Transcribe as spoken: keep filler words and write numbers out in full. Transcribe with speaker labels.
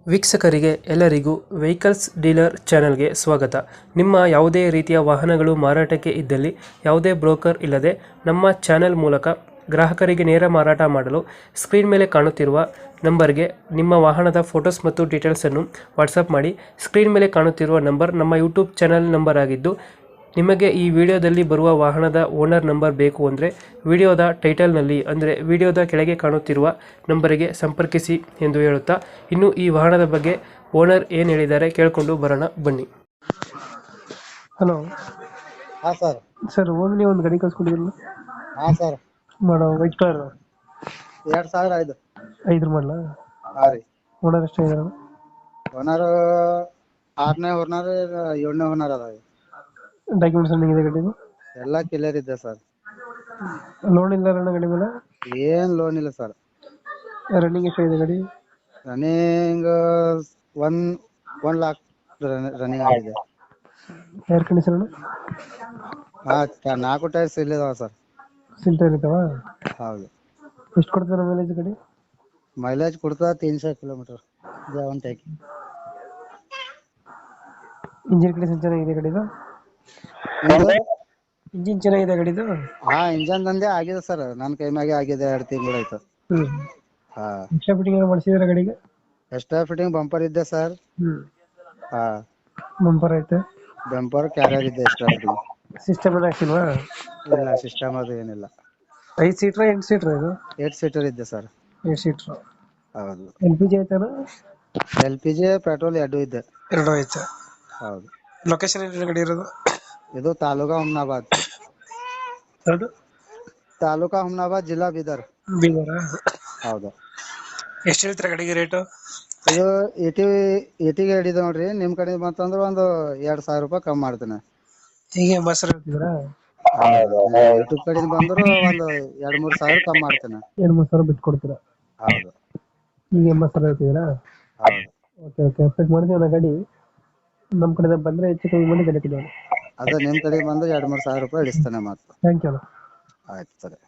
Speaker 1: ವೀಕ್ಷಕರಿಗೆ ಎಲ್ಲರಿಗೂ vehicles dealer ಚಾನೆಲ್ಗೆ ಸ್ವಾಗತ. ನಿಮ್ಮ ಯಾವುದೇ ರೀತಿಯ ವಾಹನಗಳು ಮಾರಾಟಕ್ಕೆ ಇದ್ದಲ್ಲಿ ಯಾವುದೇ ಬ್ರೋಕರ್ ಇಲ್ಲದೆ ನಮ್ಮ ಚಾನೆಲ್ ಮೂಲಕ ಗ್ರಾಹಕರಿಗೆ ನೇರ ಮಾರಾಟ ಮಾಡಲು ಸ್ಕ್ರೀನ್ ಮೇಲೆ ಕಾಣುತ್ತಿರುವ ನಂಬರ್ಗೆ ನಿಮ್ಮ ವಾಹನದ ಫೋಟೋಸ್ ಮತ್ತು ಡೀಟೇಲ್ಸನ್ನು ವಾಟ್ಸಪ್ ಮಾಡಿ. ಸ್ಕ್ರೀನ್ ಮೇಲೆ ಕಾಣುತ್ತಿರುವ ನಂಬರ್ ನಮ್ಮ ಯೂಟ್ಯೂಬ್ ಚಾನೆಲ್ ನಂಬರ್ ಆಗಿದ್ದು, ನಿಮಗೆ ಈ ವಿಡಿಯೋದಲ್ಲಿ ಬರುವ ವಾಹನದ ಓನರ್ ನಂಬರ್ ಬೇಕು ಅಂದರೆ ವಿಡಿಯೋದ ಟೈಟಲ್ನಲ್ಲಿ ಅಂದರೆ ವಿಡಿಯೋದ ಕೆಳಗೆ ಕಾಣುತ್ತಿರುವ ನಂಬರಿಗೆ ಸಂಪರ್ಕಿಸಿ ಎಂದು ಹೇಳುತ್ತಾ, ಇನ್ನು ಈ ವಾಹನದ ಬಗ್ಗೆ ಓನರ್ ಏನು ಹೇಳಿದ್ದಾರೆ ಕೇಳಿಕೊಂಡು ಬರೋಣ ಬನ್ನಿ. ಹಲೋ
Speaker 2: ಹಾ ಸರ್.
Speaker 1: ಸರ್, ಓಮ್ನಿ ಒಂದು ಗಾಡಿ ಕಳ್ಸ್ಕೊಂಡಿದ್ರಲ್ಲ
Speaker 2: ಹಾ ಸರ್.
Speaker 1: ಮಾಡೋ ವೈಟ್ ಕಲರ್
Speaker 2: ಎರಡ್ ಸಾವಿರ ಐದು
Speaker 1: ಐದ್ರ ಮಾಡಲ
Speaker 2: ಹಾ ರೀ.
Speaker 1: ಓನರ್ ಎಷ್ಟು ಇದಾರೆ?
Speaker 2: ಓನರ್ ಆರನೇ ಓನರ್ ಏಳನೇ ಓನರ್ ಅದ.
Speaker 1: ಡಾಕ್ಯುಮೆಂಟ್ಸ್ ರನ್ನಿಂಗ್ ಇದೆ ಗಾಡಿದು?
Speaker 2: ಎಲ್ಲಾ ಕ್ಲಿಯರ್ ಇದೆ ಸರ್.
Speaker 1: ಲೋನ್ ಇಲ್ಲ ಅಣ್ಣ ಗಾಡಿ ಮೇಲೆ?
Speaker 2: ಏನ್ ಲೋನ್ ಇಲ್ಲ ಸರ್.
Speaker 1: ರನ್ನಿಂಗ್ ಎಷ್ಟಾಗಿದೆ ಗಾಡಿ?
Speaker 2: Running one one lakh running ಆಗಿದೆ.
Speaker 1: ಏರ್ ಕಂಡೀಷನ್
Speaker 2: ಹಾ ನಾಲ್ಕು ಟೈರ್ಸ್ ಇಲ್ಲಿದಾವ ಸರ್.
Speaker 1: ಸಿಲ್ಟರ್ ಇರ್ತಾವ?
Speaker 2: ಹೌದು.
Speaker 1: ಎಷ್ಟು ಕೊಡ್ತಾರೆ ಮೈಲೇಜ್ ಗಾಡಿ?
Speaker 2: ಮೈಲೇಜ್ ಕೊಡ್ತಾ ತೀನ್ಶೇ ಕಿಲೋಮೀಟರ್ ಜವನ್ ಟೈಕ್.
Speaker 1: ಇಂಜಿನ್ ಕಂಡೀಷನ್ ಚೆನ್ನಾಗಿದೆ ಗಾಡಿದು? ಇಂಜಿನ್ ಚೆನ್ನಾಗಿದೆ ಗಾಡಿದು?
Speaker 2: ಹಾ ಇಂಜನ್ ದಂದೆ ಆಗಿದೆ ಸರ್. ನನ್ ಕೈ ಮ್ಯಾಗೆ ಆಗಿದೆ. ಎರಡ್ ತಿಂಗಳು ಆಯ್ತು.
Speaker 1: ಹ್ಮ್.
Speaker 2: ಹಾ
Speaker 1: ಎಕ್ಸ್ಟ್ರಾ ಫಿಟ್ಟಿಂಗ್ ಏನೋ ಮಾಡಿಸಿದ್ರೆ ಗಾಡಿಗೆ?
Speaker 2: ಎಕ್ಸ್ಟ್ರಾ ಫಿಟ್ಟಿಂಗ್ ಬಂಪರ್ ಇದೆ ಸರ್.
Speaker 1: ಹ್ಮ್.
Speaker 2: ಹಾ
Speaker 1: ಬಂಪರ್ ಐತೆ?
Speaker 2: ಬಂಪರ್ ಕ್ಯಾರಿಯರ್ ಇದೆ. ಎಕ್ಸ್ಟ್ರಾ ಫಿಟ್ಟಿಂಗ್
Speaker 1: ಸಿಸ್ಟಮ್ ಎಲ್ಲ ಹಾಕ್ಸಿಲ್ವಾ?
Speaker 2: ಇಲ್ಲ, ಸಿಸ್ಟಮ್ ಅದು ಏನಿಲ್ಲ.
Speaker 1: ಐದು ಸೀಟ್ರ ಎಂಟು ಸೀಟ್ರ ಇದು?
Speaker 2: ಏಟ್ ಸೀಟರ್ ಇದೆ ಸರ್.
Speaker 1: Eight seater.
Speaker 2: ಹೌದು.
Speaker 1: ಎಲ್ ಪಿ ಜಿ ಐತನ?
Speaker 2: ಎಲ್ ಪಿ ಜಿ ಪೆಟ್ರೋಲ್ ಎರಡು ಇದೆ.
Speaker 1: ಎರಡು ಐತೆ.
Speaker 2: ಹೌದು.
Speaker 1: ಲೊಕೇಶನ್ ಏನಿದೆ ಗಾಡಿ ಇರೋದು?
Speaker 2: ಇದು ತಾಲೂಕಾ ಹುಮ್ನಾಬಾದ್.
Speaker 1: ಯಾವುದು?
Speaker 2: ತಾಲೂಕಾ ಹುಮ್ನಾಬಾದ್, ಜಿಲ್ಲಾ ಬೀದರ್.
Speaker 1: ಬೀದರ?
Speaker 2: ಹೌದು.
Speaker 1: ಎಷ್ಟು ಹೇಳ್ತೀರಾ ಗಾಡಿಗೆ ರೇಟು?
Speaker 2: ಇದು ಏಟಿ ಏಟಿಗೆ ಹಿಡಿದ ನೋಡ್ರಿ. ನಿಮ್ ಕಡೆ ಬಂತಂದ್ರ ಒಂದು ಎರಡ್ ಸಾವಿರ ರೂಪಾಯಿ ಕಮ್ಮಿ ಮಾಡ್ತೇನೆ.
Speaker 1: ಹೀಗೆ ಬಸ್ ಹೇಳ್ತಿದ್ದೀರಾ?
Speaker 2: ಯೂಟ್ಯೂಬ್ ಕಡೆಯಿಂದ ಬಂದ್ರು ಒಂದು ಎರಡ್ ಮೂರ್ ಸಾವಿರ ಕಮ್ಮಿ ಮಾಡ್ತೇನೆ.
Speaker 1: ಎರಡು ಮೂರು ಸಾವಿರ ಬಿಟ್ಟು ಕೊಡ್ತೀರಾ?
Speaker 2: ಹೌದು.
Speaker 1: ಈಗ ಎಂಬತ್ತು ಸಾವಿರ ಹೇಳ್ತಿದ್ದೀರಾ?
Speaker 2: ಹೌದು.
Speaker 1: ಓಕೆ ಓಕೆ ಅಪ್ಡೇಟ್ ಮಾಡ್ತೀವಿ ನಾ ಗಾಡಿ. ನಮ್ಮ ಕಡೆ ಬಂದರೆ ಹೆಚ್ಚು ಕಮ್ಮಿ ಮಾಡಿ ಗಾಡಿ ಕೊಡಿ.
Speaker 2: ಅದ ನಿಮ್ ಕಡೆ ಬಂದ್ರೆ ಎರಡ್ ಮೂರ್ ಸಾವಿರ ರೂಪಾಯಿ ಇಡಿಸ್ತೇನೆ ಮಾತ್ರ.
Speaker 1: Thank you.
Speaker 2: ಆಯ್ತು ಸರಿ.